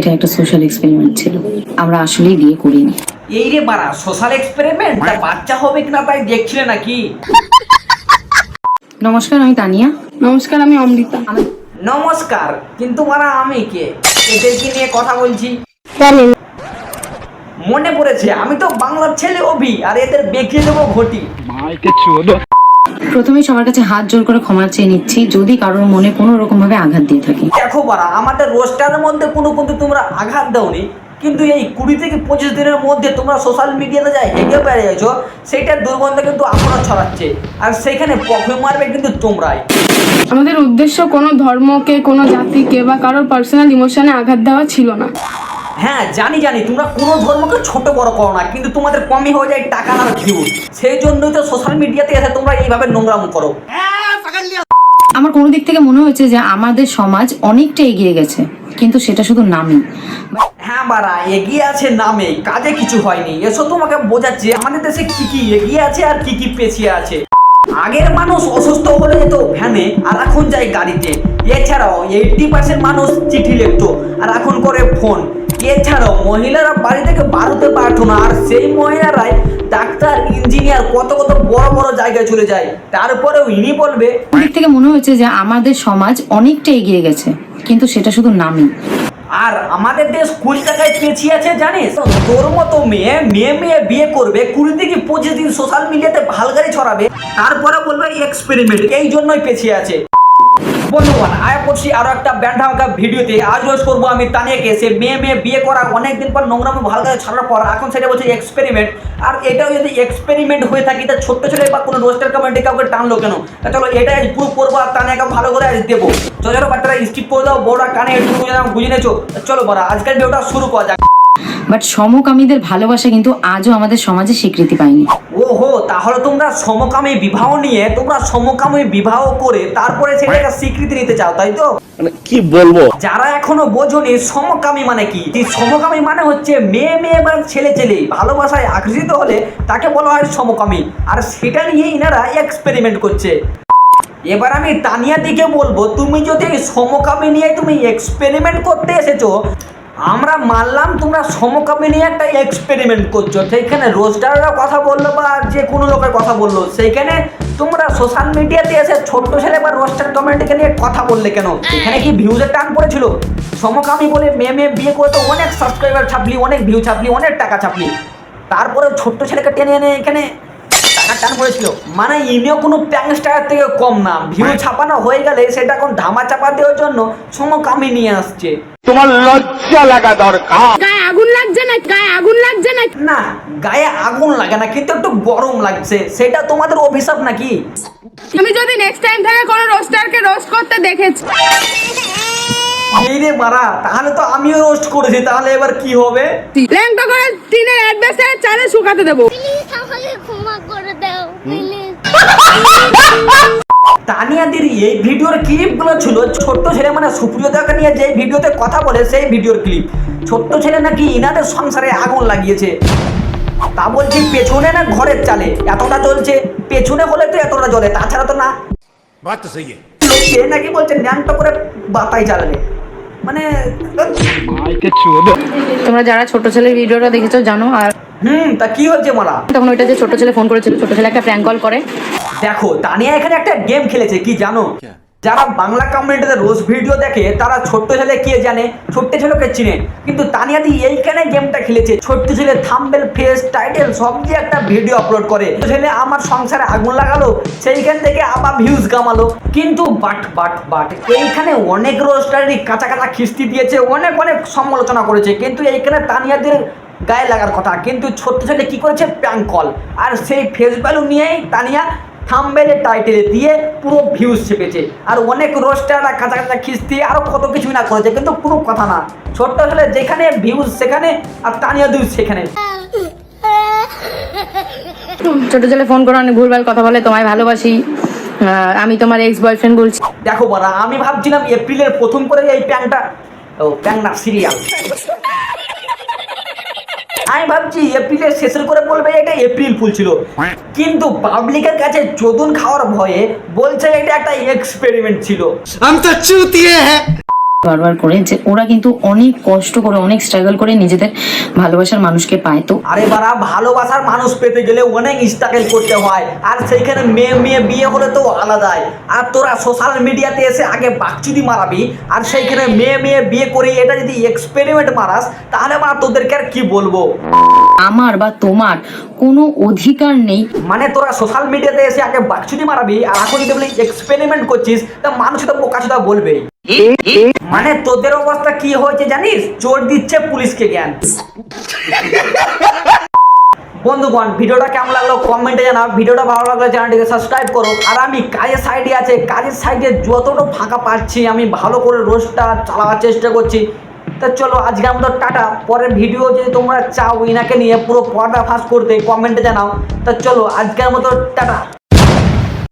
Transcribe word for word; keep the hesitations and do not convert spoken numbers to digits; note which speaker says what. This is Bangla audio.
Speaker 1: এটা একটা সোশ্যাল এক্সপেরিমেন্ট ছিল, আমরা আসলেই বিয়ে করিনি।
Speaker 2: এই রে বাড়া, সোশ্যাল এক্সপেরিমেন্ট? তা বাচ্চা হবে কিনা তাই দেখছিলে নাকি?
Speaker 1: নমস্কার, আমি তানিয়া।
Speaker 3: নমস্কার, আমি অমৃতা।
Speaker 2: নমস্কার, কিন্তু বাড়া আমি কে? এদেরকে নিয়ে কথা বলছি মনে পড়েছে, আমি তো বাংলার ছেলে অভি, আর এদের বেঁকিয়ে দেবো ঘটি।
Speaker 1: প্রথমে সবার কাছে হাত জোর করে ক্ষমা চেয়ে নিচ্ছি যদি কারোর মনে কোনো রকম ভাবে আঘাত দিয়ে থাকি।
Speaker 2: দেখো বাড়া, আমাদের রোস্টারের মধ্যে কোনো কিন্তু তোমরা আঘাত দাওনি, কিন্তু এই কুড়ি থেকে পঁচিশ দিনের মধ্যে তোমরা সোশ্যাল মিডিয়াতে যাই হেঁটে পেরে গেছো, সেইটার দুর্গন্ধ কিন্তু এখনো ছড়াচ্ছে, আর সেইখানে পফে মারবে কিন্তু তোমরাই।
Speaker 3: আমাদের উদ্দেশ্য কোনো ধর্মকে, কোনো জাতিকে বা কারোর পার্সোনাল ইমোশনে আঘাত দেওয়া ছিল না।
Speaker 2: হ্যাঁ জানি জানি, তোমরা কোনো ধর্মকে ছোট বড় করো না, কিন্তু তোমাদের কমই হয়ে যায় টাকা আর ভিউ, সেই জন্যই তো সোশ্যাল মিডিয়াতে এসে তোমরা এইভাবে নোংরাম করো।
Speaker 1: আমার কোনো দিক থেকে মনে হয়েছে যে আমাদের সমাজ অনেকটা এগিয়ে গেছে, কিন্তু সেটা শুধু নামই।
Speaker 2: হ্যাঁ বাড়া, এগিয়ে আছে নামে, কাজে কিছু হয়নি। এসো তোমাকে বোঝাচ্ছি আমাদের দেশে কি কি এগিয়ে আছে আর কি কি পেছিয়ে আছে। আগের মানুষ অসুস্থ হলে যেত ভ্যানে, আর এখন যায় গাড়িতে। এছাড়াও এইটটি পার্সেন্ট মানুষ চিঠি লিখতো, আর এখন করে ফোন। এছাড়াও মহিলারা বাড়ি থেকে বার হতে পারতো না, আর সেই মহিলারাই ডাক্তার, ইঞ্জিনিয়ার, কত কত বড় বড় জায়গায় চলে যায়। তারপরেও ইনি বলবে,
Speaker 1: দিক থেকে মনে হয়েছে যে আমাদের সমাজ অনেকটা এগিয়ে গেছে, কিন্তু সেটা শুধু নামই।
Speaker 2: আর আমাদের দেশ কুড়ি টাকায় পেছিয়ে আছে জানিস? তোর মতো মেয়ে মেয়ে মেয়ে বিয়ে করবে, কুড়ি থেকে পঁচিশ দিন সোশ্যাল মিডিয়াতে ভালগাড়ি ছড়াবে, তারপরে বলবে এক্সপেরিমেন্ট, এই জন্যই পেছিয়ে আছে। বন্ধুগণ, আয় করছি আরো একটা ব্যান্ড হালকা ভিডিওতে। আজ রোজ করবো আমি তানিয়াকে। সে মেয়ে মেয়ে বিয়ে করা অনেকদিন পর নোংরামে ভালগাড়ি ছড়ার পর এখন সেটা বলছে এক্সপেরিমেন্ট। আর এটাও যদি এক্সপেরিমেন্ট হয়ে থাকি, তা ছোট্ট ছেলে বা কোনো রোস্টার কমেন্টে কাউকে টানলো কেন? তা চলো এটাই পুরো করবো, আর তানিয়াকে ভালো করে আজ দেবো। ছোটো ছোটো বাচ্চারা স্কিপ করে দাও, বড়রা কানে একটু বুঝে নেছো। চলো বড়া, আজকের ভিডিওটা শুরু করা যাক।
Speaker 1: বাট সমকামীদের ভালোবাসা কিন্তু আজও আমাদের সমাজে স্বীকৃতি পায়নি।
Speaker 2: ওহো, তাহলে তোমরা সমকামী বিবাহ নিয়ে, তোমরা সমকামী বিবাহ করে তারপরে সেটাকে স্বীকৃতি নিতে চাও, তাই তো?
Speaker 4: মানে কি বলবো,
Speaker 2: যারা এখনো বোঝোনি সমকামী মানে কি। সমকামী মানে হচ্ছে মেয়ে মেয়ে বা ছেলে ছেলে ভালোবাসায় আকর্ষিত হলে তাকে বলা হয় সমকামী, আর সেটা নিয়ে ইনারা এক্সপেরিমেন্ট করছে। এবার আমি তানিয়া দিকে বলবো, তুমি যদি সমকামী নিয়ে তুমি এক্সপেরিমেন্ট করতে এসেছো, আমরা মানলাম তোমরা সমকামী নিয়ে একটা এক্সপেরিমেন্ট করছো, সেইখানে রোস্টাররা কথা বললো বা যে কোনো লোকের কথা বললো, সেইখানে তোমরা সোশ্যাল মিডিয়াতে এসে ছোট্ট ছেলে বা রোস্টার কমেন্টকে নিয়ে কথা বললে কেন? এখানে কি ভিউজের টান পড়েছিল? সমকামী বলে মেয়ে মেয়ে বিয়ে করে তো অনেক সাবস্ক্রাইবার ছাপলি, অনেক ভিউ ছাপলি, অনেক টাকা ছাপলি, তারপরে ছোট্ট ছেলেকে টেনে এনে এখানে টাকার টান পড়েছিল। মানে ইনিও কোনো প্যাংস্টার থেকে কম না, ভিউ ছাপানো হয়ে গেলে সেটা এখন ধামা চাপা দেওয়ার জন্য সমকামী নিয়ে আসছে।
Speaker 4: তোমার লজ্জা লাগা দরকার।
Speaker 3: গায়ে আগুন লাগছে না? গায়ে আগুন লাগছে না?
Speaker 2: না, গায়ে আগুন লাগে না, কিন্তু একটু গরম লাগছে। সেটা তোমাদের অভিশাপ নাকি?
Speaker 3: আমি যদি নেক্সট টাইম থেকে কোনো রোস্টারকে রোস্ট করতে দেখেছি,
Speaker 2: এই রে মারা, তাহলে তো আমিও রোস্ট করেছি, তাহলে এবার কি হবে?
Speaker 3: ল্যাংটা করে টিনের অ্যাডভেস্টারে চালে শুকাতে দেবো।
Speaker 5: প্লিজ আমাকে ক্ষমা করে দাও প্লিজ।
Speaker 2: তানিয়াদের এই ভিডিওর ক্লিপগুলো ছিল ছোট্ট ছেলে মানে সুপ্রিয়তাকে নিয়ে যে ভিডিওতে কথা বলে সেই ভিডিওর ক্লিপ। ছোট্ট ছেলে নাকি ইনাদের সংসারে আগুন লাগিয়েছে, তা বলছি পেছনে না ঘরের চালে এতটা জ্বলছে, পেছনে হলে তো এতটা জ্বলে, তাছাড়া তো না।
Speaker 4: বাত তো সহি
Speaker 2: সে নাকি বলছে ন্যাংটা করে বাতাই জ্বালাবে, মানে
Speaker 1: তোমরা যারা ছোট ছেলের ভিডিওটা দেখেছো জানো। আর
Speaker 2: হুম তা কি হচ্ছে মারা?
Speaker 1: তখন ওইটা যে ছোট ছেলে ফোন করেছিল, ছোট ছেলে একটা প্র্যাঙ্ক কল করে।
Speaker 2: দেখো তানিয়া এখানে একটা গেম খেলেছে, কি জানো? যারা বাংলা কমেন্টে রোজ ভিডিও দেখে তারা ছোট্ট ছেলে কে জানে, ছোট্ট ছেলেকে চিনে, কিন্তু তানিয়া দি এইখানে গেমটা খেলেছে। ছোট্ট ছেলে থাম্বনেল, ফেস, টাইটেল সব দিয়ে একটা ভিডিও আপলোড করে। ছেলে আমার সংসারে আগুন লাগালো, সেইখান থেকে আবার ভিউজ কামালো। কিন্তু বাট বাট বাট এইখানে অনেক রোস্টারই কাঁচা কাঁচা খিস্তি দিয়েছে, অনেক অনেক সমালোচনা করেছে, কিন্তু এইখানে তানিয়াদের গায়ে লাগার কথা। কিন্তু ছোট্ট ছেলে কি করেছে? প্র্যাঙ্ক কল, আর সেই ফেস ভ্যালু নিয়েই তানিয়া থাম্বনেলে টাইটেলে দিয়ে পুরো ভিউজ চেপেছে। আর অনেক রোস্টাররা কাঁচা কাঁচা খিস্তি আরো কত কিছু না করেছে, কিন্তু কোনো কথা না। ছোট্ট ছেলে যেখানে ভিউজ সেখানে, আর তানিয়া ভিউজ সেখানে।
Speaker 1: ছোট ছেলে ফোন করে অনেক ভুলভাল কথা বলে, তোমায় ভালোবাসি, আমি তোমার এক্স বয়ফ্রেন্ড বলছি।
Speaker 2: দেখো বড়া, আমি ভাবছিলাম এপ্রিলের প্রথম করে এই প্যাংটা, ও প্যাং না সিরিয়াল, আমি ভাবছি এপ্রিলের শেষের করে বলবে এটা এপ্রিল ফুল ছিল, কিন্তু পাবলিকের কাছে চোদন খাওয়ার ভয়ে বলছে এটা একটা এক্সপেরিমেন্ট ছিল।
Speaker 4: हम तो चूतिए हैं।
Speaker 1: বারবার করে যে ওরা কিন্তু অনেক কষ্ট করে অনেক স্ট্রাগল করে নিজেদের ভালোবাসার মানুষকে পায়। তো
Speaker 2: আরে বারা, ভালোবাসার মানুষ পেতে গেলে অনেক স্ট্রাগল করতে হয়, আর সেইখানে মেয়ে মেয়ে বিয়ে হলে তো আলাদাই। আর তোরা সোশ্যাল মিডিয়াতে এসে আগে বাকচুদি মারাবি, আর সেইখানে মেয়ে মেয়ে বিয়ে করে এটা যদি এক্সপেরিমেন্ট মারাস, তাহলে বা তোদেরকে আর কি বলবো।
Speaker 1: আমার বা তোমার কোনো অধিকার নেই।
Speaker 2: মানে তোরা সোশ্যাল মিডিয়াতে এসে আগে বাকচুদি মারাবি, আর এখন যদি বলি এক্সপেরিমেন্ট করছিস, তা মানুষ তো বোকাচোদা বলবেই। মানে তোদের অবস্থা কি হয়েছে জানিস? চোর দিচ্ছে পুলিশকে জ্ঞান। বন্ধুগণ, ভিডিওটা কেমন লাগলো কমেন্টে জানাও। ভিডিওটা ভালো লাগলে চ্যানেলটিকে সাবস্ক্রাইব করো। আর আমি কাজের সাইডে আছে, কাজের সাইডে যতটা ফাঁকা পাচ্ছি আমি ভালো করে রোজটা চালাবার চেষ্টা করছি। তা চলো আজকের মতো টাটা। পরের ভিডিও যদি তোমরা চাও ইনাকে নিয়ে পুরো পর্দা ফাঁস করতে, কমেন্টে জানাও। তা চলো আজকের মতো টাটা।